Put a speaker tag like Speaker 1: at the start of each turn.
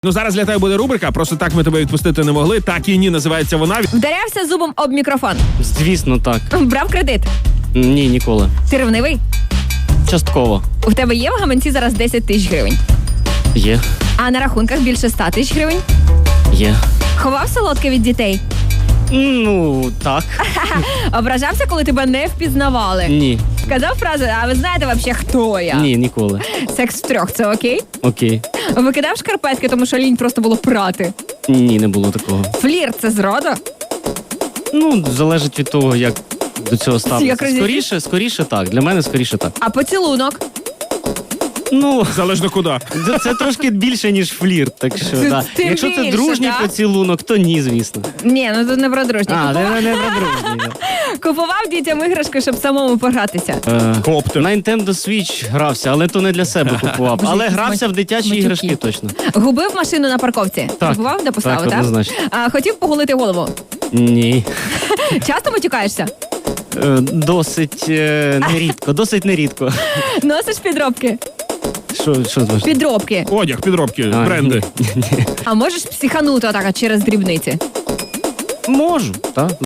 Speaker 1: Ну, зараз для тебе буде рубрика, просто так ми тебе відпустити не могли. Так і ні, називається вона.
Speaker 2: Вдарявся зубом об мікрофон.
Speaker 3: Звісно, так.
Speaker 2: Брав кредит.
Speaker 3: Ні, ніколи.
Speaker 2: Ти ревнивий?
Speaker 3: Частково.
Speaker 2: У тебе є в гаманці зараз 10 тисяч гривень.
Speaker 3: Є.
Speaker 2: А на рахунках більше 100 тисяч гривень.
Speaker 3: Є.
Speaker 2: Ховав солодке від дітей.
Speaker 3: Ну, так.
Speaker 2: Ображався, коли тебе не впізнавали.
Speaker 3: Ні.
Speaker 2: Казав фразу, а ви знаєте вообще, хто я?
Speaker 3: Ні, ніколи.
Speaker 2: Секс втрьох, це окей?
Speaker 3: Окей.
Speaker 2: Викидав шкарпетки, тому що лінь просто було прати.
Speaker 3: Ні, не було такого.
Speaker 2: Флірт – це зрада?
Speaker 3: Ну, залежить від того, як до цього
Speaker 2: Як
Speaker 3: ставитися.
Speaker 2: розійшлися?
Speaker 3: Скоріше так. Для мене скоріше так.
Speaker 2: А поцілунок?
Speaker 3: Ну,
Speaker 1: Залежно куди.
Speaker 3: це трошки більше, ніж флірт. Так що, да.
Speaker 2: Тим
Speaker 3: Якщо це
Speaker 2: більше,
Speaker 3: дружній
Speaker 2: так?
Speaker 3: поцілунок, то ні, звісно.
Speaker 2: Ні, ну тут не про дружнє.
Speaker 3: А,
Speaker 2: Купував,
Speaker 3: не про дружній.
Speaker 2: купував дітям іграшки, щоб самому погратися.
Speaker 1: Коптер.
Speaker 3: На Nintendo Switch грався, але то не для себе купував.
Speaker 2: Боже,
Speaker 3: Але
Speaker 2: якісь
Speaker 3: грався в дитячі
Speaker 2: матюки.
Speaker 3: іграшки точно.
Speaker 2: Губив машину на парковці.
Speaker 3: Так.
Speaker 2: Купував, де поставив, так?
Speaker 3: однозначно.
Speaker 2: А, хотів поголити голову.
Speaker 3: Ні.
Speaker 2: Часто матюкаєшся?
Speaker 3: Досить нерідко, досить нерідко.
Speaker 2: Носиш підробки?
Speaker 3: Що зважно?
Speaker 2: Підробки.
Speaker 1: Одяг, підробки, бренди.
Speaker 3: Ні.
Speaker 2: А можеш психанути отак от через дрібниці?
Speaker 3: Можу, так.